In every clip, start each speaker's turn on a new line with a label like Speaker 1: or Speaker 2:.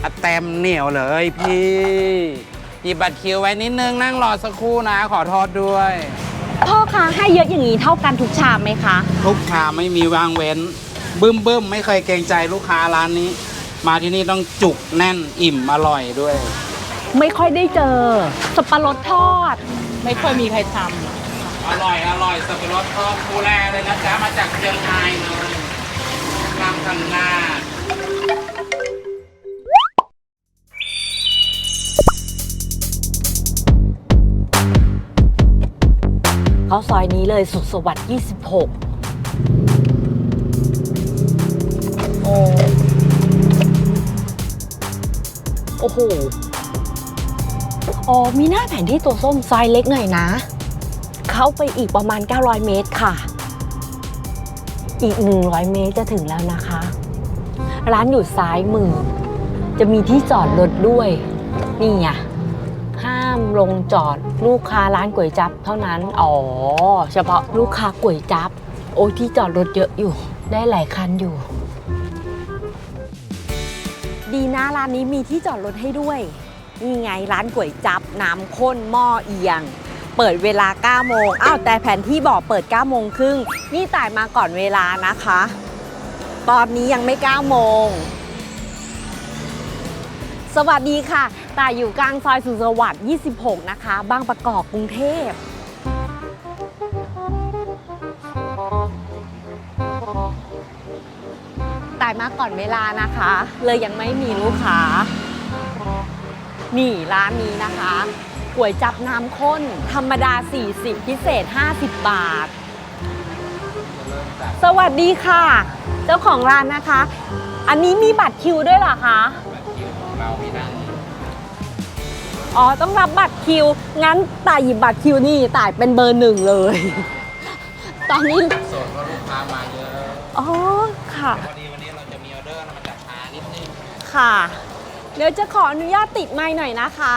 Speaker 1: เต็มเหนียวเลยพี่หยิบบัตรคิวไว้นิดนึงนั่งรอสักครู่นะขอโทษด้วย
Speaker 2: พ่อคะให้เยอะอย่างนี้เท่ากันทุกชามไหมคะ
Speaker 1: ทุกชามไม่มีวางเว้นบึ้มไม่เคยเกรงใจลูกค้าร้านนี้มาที่นี่ต้องจุกแน่นอิ่มอร่อยด้วย
Speaker 2: ไม่ค่อยได้เจอสับปะรดทอด
Speaker 3: ไม่ค่อยมีใครท
Speaker 1: ำอร่อยสับปะรดทอดคูแลเลยนะจ๊ะมาจากเชียงรายเลยกลางทันหน้า
Speaker 2: เขาซอยนี้เลยสุขสวัสดิ์26โอ้โหอ๋อมีหน้าแผนที่ตัวส้มซอยเล็กหน่อยนะเข้าไปอีกประมาณ900 เมตรค่ะอีก100 เมตรจะถึงแล้วนะคะร้านอยู่ซ้ายมือจะมีที่จอดรถด้วยนี่ไงห้ามลงจอดลูกค้าร้านก๋วยจั๊บเท่านั้นอ๋อเฉพาะลูกค้าก๋วยจั๊บโอ้ยที่จอดรถเยอะอยู่ได้หลายคันอยู่ดีนะร้านนี้มีที่จอดรถให้ด้วยนี่ไงร้านก๋วยจั๊บน้ำข้นหม้อเอียงเปิดเวลา9 โมงอ้าวแต่แผนที่บอกเปิด9 โมงครึ่งนี่ต่ายมาก่อนเวลานะคะตอนนี้ยังไม่9 โมงสวัสดีค่ะต่ายอยู่กลางซอยสุขสวัสดิ์26นะคะบางประกอบกรุงเทพต่ายมาก่อนเวลานะคะเลยยังไม่มีลูกค้านี่ร้านนี้นะคะก๋วยจั๊บน้ำข้นธรรมดา40พิเศษ50 บาทสวัสดีค่ะเจ้าของร้านนะคะอันนี้มีบัตรคิวด้วยเหรอคะ
Speaker 1: บัตรคิวของเราไม่ได้
Speaker 2: อ๋อต้องรับบัตรคิวงั้นต่ายหยิบบัตรคิวนี่ต่ายเป็นเบอร์1เลยตอนนี้
Speaker 1: โสดเพราะลูกค้ามาเยอะ
Speaker 2: อ๋อค่ะ
Speaker 1: พอดีวันนี้เราจะมีออเดอร์มาจากช้านิดนึง
Speaker 2: ค่ะเดี๋ยวจะขออนุญาตติดไมค์หน่อยนะคะ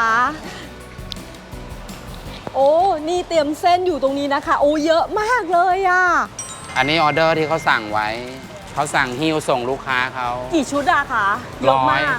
Speaker 2: โอ้นี่เตรียมเส้นอยู่ตรงนี้นะคะโอ้เยอะมากเลยอ่ะ
Speaker 1: อันนี้ออเดอร์ที่เขาสั่งไว้เขาสั่งฮิ้วส่งลูกค้าเขา
Speaker 2: กี่ชุดอะคะ
Speaker 1: 100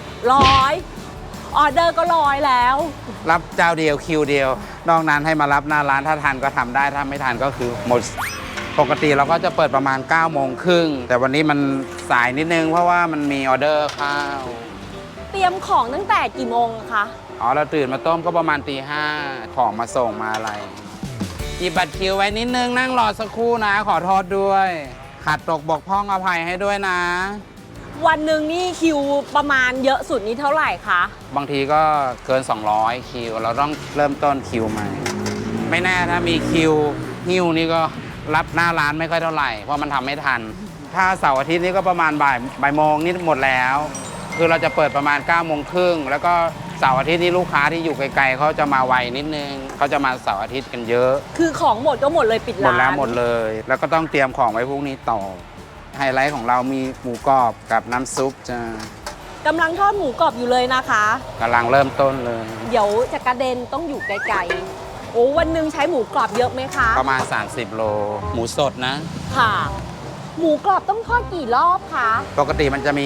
Speaker 2: ออเดอร์ก็100แล้ว
Speaker 1: รับเจ้าเดียวคิวเดียวนอกนั้นให้มารับหน้าร้านถ้าทันก็ทำได้ถ้าไม่ทันก็คือหมดปกติเราก็จะเปิดประมาณ9 โมงครึ่งแต่วันนี้มันสายนิดนึงเพราะว่ามันมีออเดอร์ข้าว
Speaker 2: เตรียมของตั้งแต่กี่โมงคะ
Speaker 1: อ๋อเราตื่นมาต้มก็ประมาณตี 5ของมาส่งมาอะไรหยิบบัตรคิวไว้นิดนึงนั่งรอสักครู่นะขอโทษด้วยขาดตกบกพร่องอภัยให้ด้วยนะ
Speaker 2: วันหนึ่งนี่คิวประมาณเยอะสุดนี้เท่าไหร่คะ
Speaker 1: บางทีก็เกิน200คิวเราต้องเริ่มต้นคิวใหม่ไม่แน่ถ้ามีคิวหิ้วนี่ก็รับหน้าร้านไม่ค่อยเท่าไหร่เพราะมันทำไม่ทันถ้าเสาร์อาทิตย์นี่ก็ประมาณบ่ายโมงนี่หมดแล้วคือเราจะเปิดประมาณ9 โมงครึ่งแล้วก็เสาร์อาทิตย์นี่ลูกค้าที่อยู่ไกลๆเขาจะมาไวนิดนึงเขาจะมาเสาร์อาทิตย์กันเยอะ
Speaker 2: คือของหมดก็หมดเลยปิดร้าน
Speaker 1: หมดแล้วหมดเลยแล้วก็ต้องเตรียมของไว้พรุ่งนี้ต่อไฮไลท์ของเรามีหมูกรอบกับน้ำซุปจ้าก
Speaker 2: ำลังทอดหมูกรอบอยู่เลยนะคะ
Speaker 1: กำลังเริ่มต้นเลย
Speaker 2: เดี๋ยวจะกระเด็นต้องอยู่ไกลๆโอ้วันหนึ่งใช้หมูกรอบเยอะไหมคะ
Speaker 1: ประมาณ30 โลหมูสดนะ
Speaker 2: ค่ะหมูกรอบต้องทอดกี่รอบคะ
Speaker 1: ปกติมันจะมี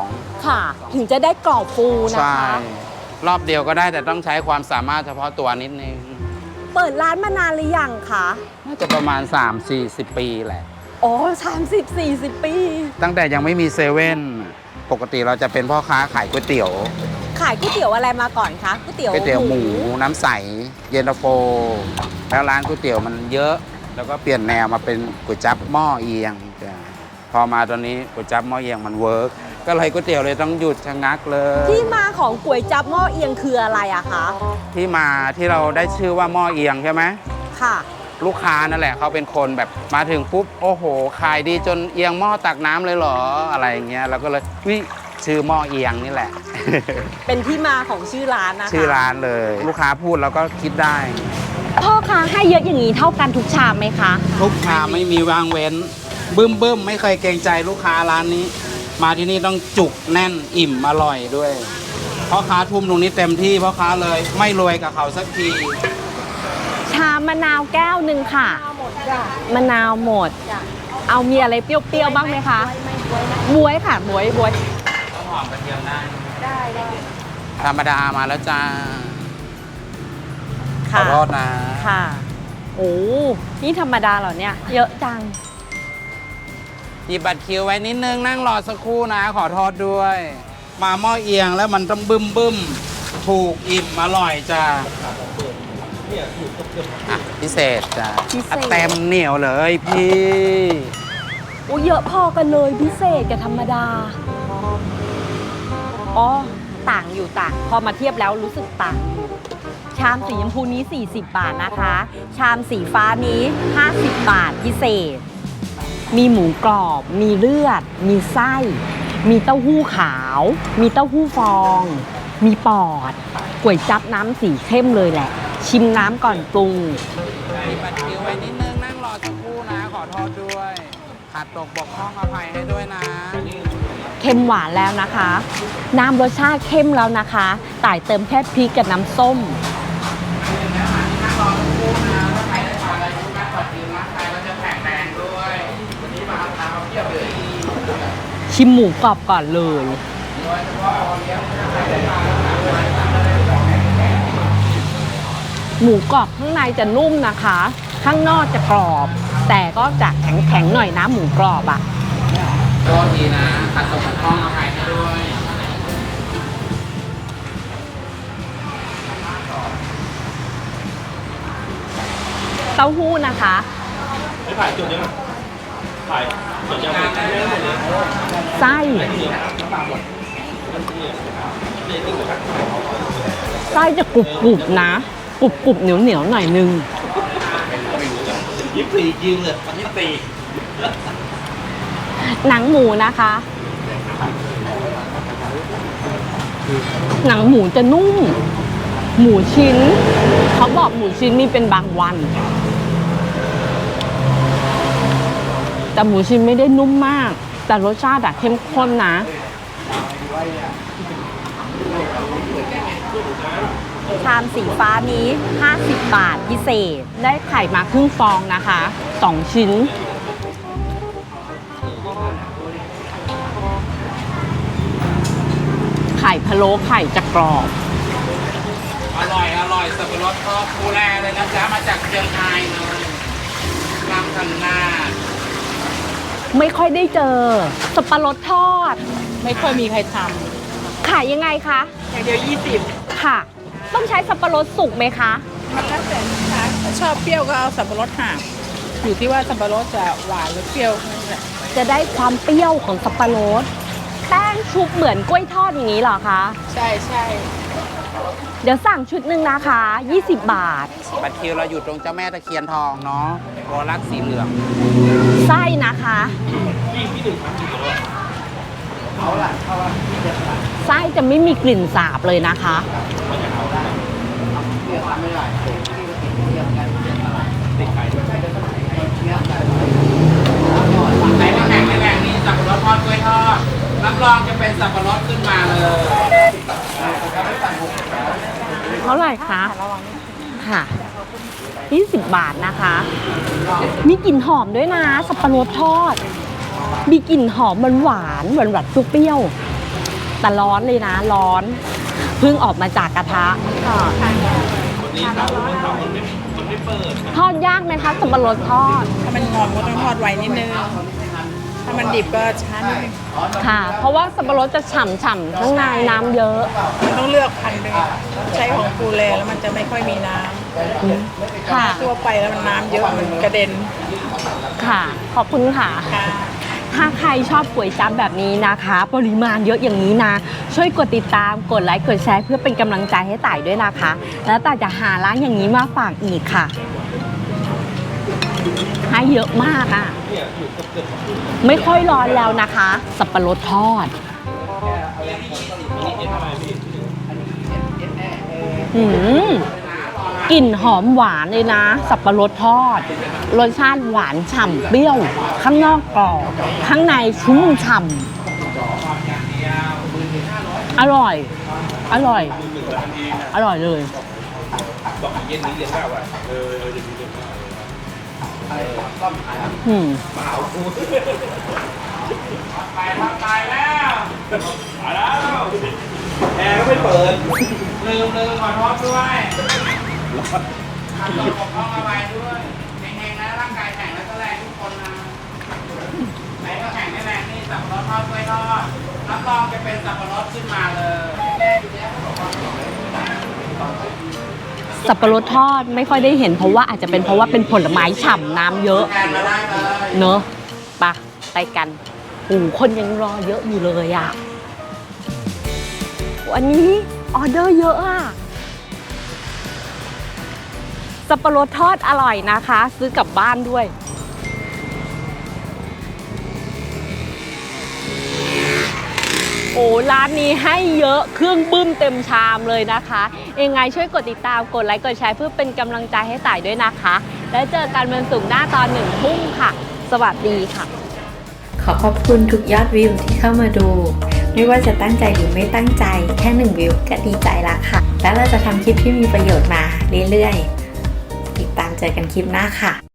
Speaker 1: 2
Speaker 2: ค่ะถึงจะได้กรอบฟูนะคะ
Speaker 1: รอบเดียวก็ได้แต่ต้องใช้ความสามารถเฉพาะตัวนิดนึง
Speaker 2: เปิดร้านมานานหรือยังคะ
Speaker 1: น่าจะประมาณ3-40 ปีแหละ
Speaker 2: อ๋อ30-40 ปี
Speaker 1: ตั้งแต่ยังไม่มีเซเว่นปกติเราจะเป็นพ่อค้าขายก๋วยเตี๋ยว
Speaker 2: ขายก๋วยเตี๋ยวอะไรมาก่อนคะก๋วยเตี๋ยว
Speaker 1: หมูน้ำใสเย็นตาโฟแล้วร้านก๋วยเตี๋ยวมันเยอะแล้วก็เปลี่ยนแนวมาเป็นก๋วยจั๊บหม้อเอียงพอมาตอนนี้ก๋วยจั๊บหม้อเอียงมันเวิร์กก็เลยก๋วยเตี๋ยวเลยต้องหยุดชะงักเลย
Speaker 2: ที่มาของก๋วยจั๊บหม้อเอียงคืออะไรอะคะ
Speaker 1: ที่มาที่เราได้ชื่อว่าหม้อเอียงใช่ไหม
Speaker 2: ค่ะ
Speaker 1: ลูกค้านั่นแหละเขาเป็นคนแบบมาถึงปุ๊บโอ้โหขายดีจนเอียงหม้อตักน้ำเลยเหรออะไรอย่างเงี้ยเราก็เลยชื่อหม้อเอียงนี่แหละ
Speaker 2: เป็นที่มาของชื่อร้านนะคะ
Speaker 1: ชื่อร้านเลยลูกค้าพูดเราก็คิดได้
Speaker 2: พ่อคะให้เยอะอย่างนี้เท่ากันทุกชามไหมคะ
Speaker 1: ทุกชามไม่มีวางเว้นบึ้มไม่เคยเกรงใจลูกค้าร้านนี้มาที่นี่ต้องจุกแน่นอิ่มอร่อยด้วยพ่อค้าทุ่มตรงนี้เต็มที่พ่อค้าเลยไม่รวยกับเขาสักที
Speaker 2: ชามะนาวแก้วหนึ่งค่ะมะนาวหมดเอามีอะไรเปรี้ยวๆบ้างไหมคะบ๊วยค่ะบ๊วย
Speaker 1: หอมกระเทียมได้ธรรมดามาแล้วจ้า ขอโทษนะ
Speaker 2: ค่ะ โอ้ นี่ธรรมดาเหรอเนี่ย เยอะจัง
Speaker 1: หยิบบัตรคิวไว้นิดนึงนั่งรอสักครู่นะ ขอโทษด้วย มาหม้อเอียงแล้วมันต้องบึ้มถูกอิ่มอร่อยจ้าอ่ะพิเศษจ้า
Speaker 2: พิเศษ
Speaker 1: อ่ะเต็มเหนียวเลยพี่
Speaker 2: โอ้เยอะพอกันเลยพิเศษกับธรรมดา อ๋อ ต่างอยู่ต่าง พอมาเทียบแล้วรู้สึกต่างอยู่ชามสีชมพูนี้ 40 บาทนะคะ ชามสีฟ้านี้ 50 บาทพิเศษ มีหมูกรอบ มีเลือด มีไส้ มีเต้าหู้ขาว มีเต้าหู้ฟอง มีปอดก๋วยจั๊บน้ำสีเข้มเลยแหละ ชิมน้ำก่อนปรุง
Speaker 1: มีบัตรคิวไว้นิดนึงนั่งรอสักครู่นะ ขอโทษด้วยขาดตกบกพร่องอภัยให้ด้วยนะ
Speaker 2: เค็มหวานแล้วนะคะ น้ำรสชาติเข้มแล้วนะคะต่ายเติมแค่พริกกับน้ำส้ม
Speaker 1: นั่งรอสักครู่นะถ้าใครได้ทานอะไรทุกท่านขอกินนะใครก็จะแข็งแรงด้วยวันนี้มาทานมาเพียบเลย
Speaker 2: ชิมหมูกรอบก่อนเลย หมูกรอบข้างในจะนุ่มนะคะ ข้างนอกจะกรอบ แต่ก็จะแข็งๆหน่อยนะหมูกรอบอะ
Speaker 1: โทษทีนะขาดตกบกพร่องอภัยให้ด้วย
Speaker 2: เต้าหู้นะคะ
Speaker 3: ไม่ถ่ายจุดยังถ่ายจุดยังไม่หมดเลย
Speaker 2: ไส้ไส้จะกรุบๆนะกรุบๆเหนียวๆหน่อยนึง
Speaker 3: 24ยิงเลย24
Speaker 2: หนังหมูนะคะ หนังหมูจะนุ่ม หมูชิ้น เขาบอกหมูชิ้นมีเป็นบางวัน แต่หมูชิ้นไม่ได้นุ่มมาก แต่รสชาติอะเข้มข้นนะ ชามสีฟ้านี้ 50 บาทพิเศษ ได้ไข่มาครึ่งฟองนะคะ 2 ชิ้น ไข่พะโล้ไข่จะกรอบ
Speaker 1: อร่อยอร่อยสับปะรดทอดภูแลเลยนะจ๊ะมาจากเชียงรายเลยกลางกันหน้า
Speaker 2: ไม่ค่อยได้เจอ สับปะรดทอด
Speaker 4: ไม่ค่อยมีใครท
Speaker 2: ขายยังไงคะ
Speaker 4: ำอย่างเดียว 20
Speaker 2: ค่ะ ต้องใช้สับปะรดสุกไหมคะ
Speaker 4: มันแล้วแต่ลูกค้าถ้าชอบเปรี้ยวก็เอาสับปะรดห่ามอยู่ที่ว่าสับปะรดจะหวานหรือเปรี้ยวนั่นแหละ
Speaker 2: จะได้ความเปรี้ยวของสับปะรด แป้งชุบเหมือนกล้วยทอดอย่างนี้เหรอคะ
Speaker 4: ใช่ใช่
Speaker 2: เดี๋ยวสั่งชุดหนึ่งนะคะ 20 บาท
Speaker 1: บัตรคิวเราอยู่ตรงเจ้าแม่ตะเคียนทองเนาะโรลักสีเหลือง
Speaker 2: ไส้นะคะ ไส้จะไม่มีกลิ่นสาบเลยนะคะ
Speaker 1: ไหนไม่แข่งไม่แข่งนี่สับปะรดทอดกล้วยทอดรับรองจะเป็นสับปะรดขึ้นมาเลย
Speaker 2: เท่าไหร่คะค่ะ 20 บาทนะคะ มีกลิ่นหอมด้วยนะ สับปะรดทอด มีกลิ่นหอมหวานๆหวานๆเปรี้ยวๆแต่ร้อนเลยนะ ร้อน เพิ่งออกมาจากกระทะค่ะทอดยากไหมคะสับปะรดทอด
Speaker 4: ถ้ามันงอมก็ต้องทอดไว้นิดนึง ถ้ามันดิบก็ช้านิดนึง
Speaker 2: ค่ะ เพราะว่าสับปะรดจะฉ่ำๆข้างในน้ำเยอะ
Speaker 4: มันต้องเลือกพันธุ์ด้วยใช้ของปูเลแล้วมันจะไม่ค่อยมีน้
Speaker 2: ค่ะ
Speaker 4: ำทั่วไปแล้วมันน้ำเยอะมันกระเด็น
Speaker 2: ค่ะ ขอบคุณค่ะ
Speaker 4: ค่ะ
Speaker 2: ถ้าใครชอบก๋วยจั๊บแบบนี้นะคะ ปริมาณเยอะอย่างนี้นะ ช่วยกดติดตามกดไลค์กดแชร์เพื่อเป็นกำลังใจให้ต่ายด้วยนะคะ แล้วต่ายจะหาร้านอย่างนี้มาฝากอีกค่ะ ให้เยอะมากอ่ะ ไม่ค่อยร้อนแล้วนะคะ สับปะรดทอดอืมกลิ่นหอมหวานเลยนะ สับปะรดทอด รสชาติหวานฉ่ำเปรี้ยว ข้างนอกกรอบ ข้างในชุ่มฉ่ำอร่อย อร่อย อร่อยเลย อืม
Speaker 1: ไปแล้ว
Speaker 3: แอร์ก็ไม่เปิด
Speaker 1: ลืมขอโทษด้วยขับรถปกป้องเอาไว้ด้วยแข็งๆนะร่างกายแข็งแล้วก็แรงทุกคนนะไหนก็แข็งไม่แรงนี่สับปะรดทอดกล้วยทอดรับรองจะเป็นสับปะรดขึ้นมาเลยแม่อยู่แล้วเขาบอกว่า
Speaker 2: สับปะรดทอดไม่ค่อยได้เห็นเพราะว่าอาจจะเป็นเพราะว่าเป็นผลไม้ฉ่ำน้ำเยอะ
Speaker 1: แทนมาได้เลย
Speaker 2: เนอะปะไปกันโอ้คนยังรอเยอะอยู่เลยอ่ะวันนี้ออเดอร์เยอะอ่ะสับปะรดทอดอร่อยนะคะ ซื้อกลับบ้านด้วยโอ้ร้านนี้ให้เยอะเครื่องบึ้มเต็มชามเลยนะคะยังไงช่วยกดติดตามกดไลค์กดแชร์เพื่อเป็นกำลังใจให้ต่ายด้วยนะคะแล้วเจอกันวันศุกร์หน้าตอน 1 ทุ่มค่ะ สวัสดีค่ะ
Speaker 5: ขอขอบคุณทุกยอดวิวที่เข้ามาดู ไม่ว่าจะตั้งใจหรือไม่ตั้งใจแค่1วิวก็ดีใจละค่ะ แล้วเราจะทำคลิปที่มีประโยชน์มาเรื่อยๆติดตามเจอกันคลิปหน้าค่ะ